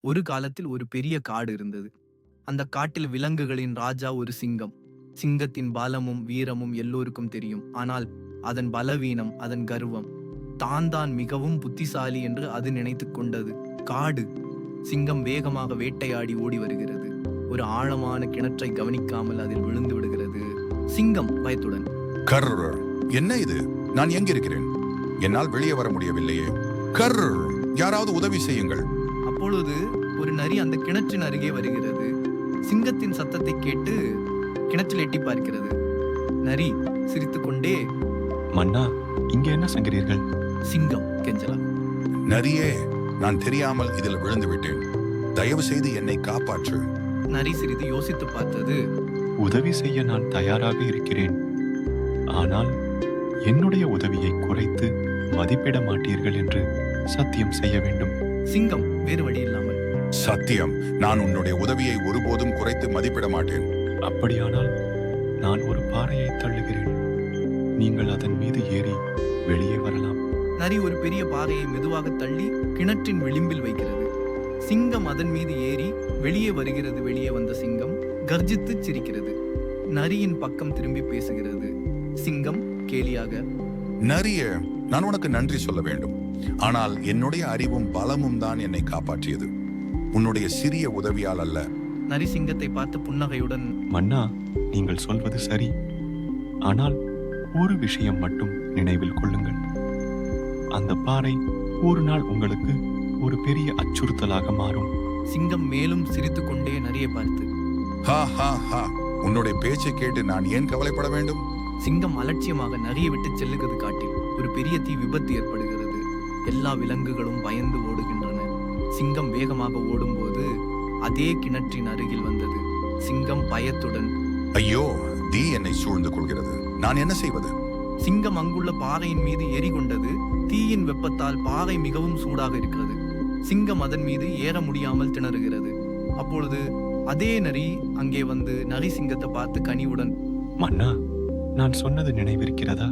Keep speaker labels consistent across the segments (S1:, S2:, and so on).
S1: ஒரு காலத்தில் ஒரு பெரிய காடு இருந்தது. அந்த காட்டில் விலங்குகளின் ராஜா ஒரு சிங்கம். சிங்கத்தின் பலமும் வீரமும் எல்லோருக்கும் தெரியும். ஆனால் அதன் பலவீனம், அதன் கர்வம், தான் மிகவும் புத்திசாலி என்று அது நினைத்துக் கொண்டது. காடு. சிங்கம் வேகமாக வேட்டையாடி ஓடி வருகிறது. ஒரு ஆழமான கிணற்றை கவனிக்காமல் அதில் விழுந்து விடுகிறது. சிங்கம் பயத்துடன்,
S2: கர், என்ன இது? நான் எங்கிருக்கிறேன்? என்னால் வெளியே வர முடியவில்லையே. கர், யாராவது உதவி செய்யுங்கள்.
S1: அப்பொழுது ஒரு நரி அந்த கிணற்றின் அருகே வருகிறது. சிங்கத்தின் சத்தத்தை கேட்டு கிணற்றில் எட்டி பார்க்கிறது. நரி சிரித்துக்கொண்டே,
S3: மன்னா, இங்கே என்ன செய்கிறீர்கள்?
S1: சிங்கம் கெஞ்சலா,
S2: நரியே, நான் தெரியாமல் இதில் விழுந்து விட்டேன். தயவு செய்து என்னை காப்பாற்று.
S1: நரி சிறிது யோசித்து பார்த்தது.
S3: உதவி செய்ய நான் தயாராக இருக்கிறேன். ஆனால் என்னுடைய உதவியை குறைத்து மதிப்பிட மாட்டீர்கள் என்று சத்தியம் செய்ய வேண்டும்.
S1: சிங்கம் வேறு வழி இல்லாமல்,
S2: சத்தியம், நான் உன்னுடைய உதவியை ஒருபோதும் குறைத்து மதிப்பிட மாட்டேன்.
S3: அப்படியானால் நான் ஒரு பாறையை தள்ளுகிறேன். நீங்கள் அதன் மீது ஏறி வெளியே வரலாம்.
S1: நரி ஒரு பெரிய பாறையை மெதுவாக தள்ளி கிணற்றின் விளிம்பில் வைக்கிறது. சிங்கம் அதன் மீது ஏறி வெளியே வருகிறது. வெளியே வந்த சிங்கம் கர்ஜித்து சிரிக்கிறது. நரியின் பக்கம் திரும்பி பேசுகிறது. சிங்கம் கேலியாக,
S2: நரியே, நான் உனக்கு நன்றி சொல்ல வேண்டும். ஆனால் என்னுடைய அறிவும் பலமும் தான் என்னை காப்பாற்றியது, உன்னுடைய சிறிய உதவியால் அல்ல.
S1: நரி சிங்கத்தை பார்த்து புன்னகையுடன்,
S3: மன்னா, நீங்கள் சொல்வது சரி. ஆனால் ஒரு விஷயம் மட்டும் நினைவில் கொள்ளுங்கள். அந்த பாறை ஒரு நாள் உங்களுக்கு ஒரு பெரிய அச்சுறுத்தலாக மாறும்.
S1: சிங்கம் மேலும் சிரித்துக்கொண்டே நரியை பார்த்து,
S2: ஹா ஹா ஹா, உன்னுடைய பேச்சை கேட்டு நான் ஏன் கவலைப்பட வேண்டும்?
S1: சிங்கம் அலட்சியமாக நரியை விட்டு செல்லுகிறது. காட்டில் ஒரு பெரிய தீ விபத்து ஏற்படுகிறது. எல்லா விலங்குகளும் பயந்து ஓடுகின்றன. சிங்கம் வேகமாக ஓடும்போது அதே கிணற்றின் அருகில் வந்தது. சிங்கம் பயத்துடன்,
S2: ஐயோ, தீ என்னை சூழ்ந்து கொள்கிறது, நான் என்ன செய்வது?
S1: சிங்கம் அங்குள்ள பாறையின் மீது ஏறி கொண்டது. தீயின் வெப்பத்தால் பாறை மிகவும் சூடாக இருக்கிறது. சிங்கம் அதன் மீது ஏற முடியாமல் திணறுகிறது. அப்பொழுது அதே நரி அங்கே வந்து நரி சிங்கத்தை பார்த்து கனிவுடன்,
S3: மன்னா, நான் சொன்னது நினைவிருக்கிறதா?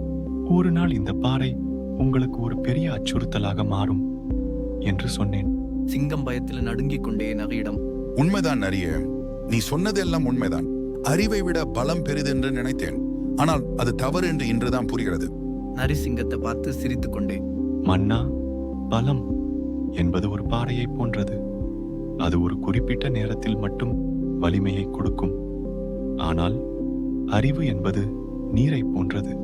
S3: ஒரு நாள் இந்த பாறை உங்களுக்கு ஒரு பெரிய அச்சுறுத்தலாக மாறும் என்று சொன்னேன்.
S1: சிங்கம் பயத்தில் நடுங்கிக் கொண்டே நரியிடம்,
S2: உண்மைதான் நரியே, நீ சொன்னதெல்லாம் உண்மைதான். அறிவை விட பலம் பெரிதென்று நினைத்தேன். ஆனால் அது தவறு என்று இன்றுதான் புரிகிறது.
S1: நரி சிங்கத்தை பார்த்து சிரித்துக் கொண்டே,
S3: மன்னா, பலம் என்பது ஒரு பாறையை போன்றது. அது ஒரு குறிப்பிட்ட நேரத்தில் மட்டும் வலிமையை கொடுக்கும். ஆனால் அறிவு என்பது நீரை போன்றது.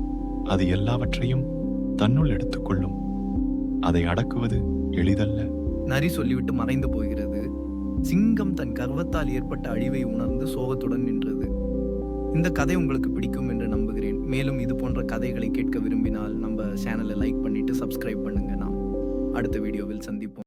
S3: அது எல்லாவற்றையும் தன்னுள் எடுத்துக்கொள்ளும். அதை அடக்குவது எளிதல்ல.
S1: நரி சொல்லிவிட்டு மறைந்து போகிறது. சிங்கம் தன் கர்வத்தால் ஏற்பட்ட அழிவை உணர்ந்து சோகத்துடன் நின்றது. இந்த கதை உங்களுக்கு பிடிக்கும் என்று நம்புகிறேன். மேலும் இது போன்ற கதைகளை கேட்க விரும்பினால் நம்ம சேனலை லைக் பண்ணிட்டு சப்ஸ்கிரைப் பண்ணுங்க. நாம் அடுத்த வீடியோவில் சந்திப்போம்.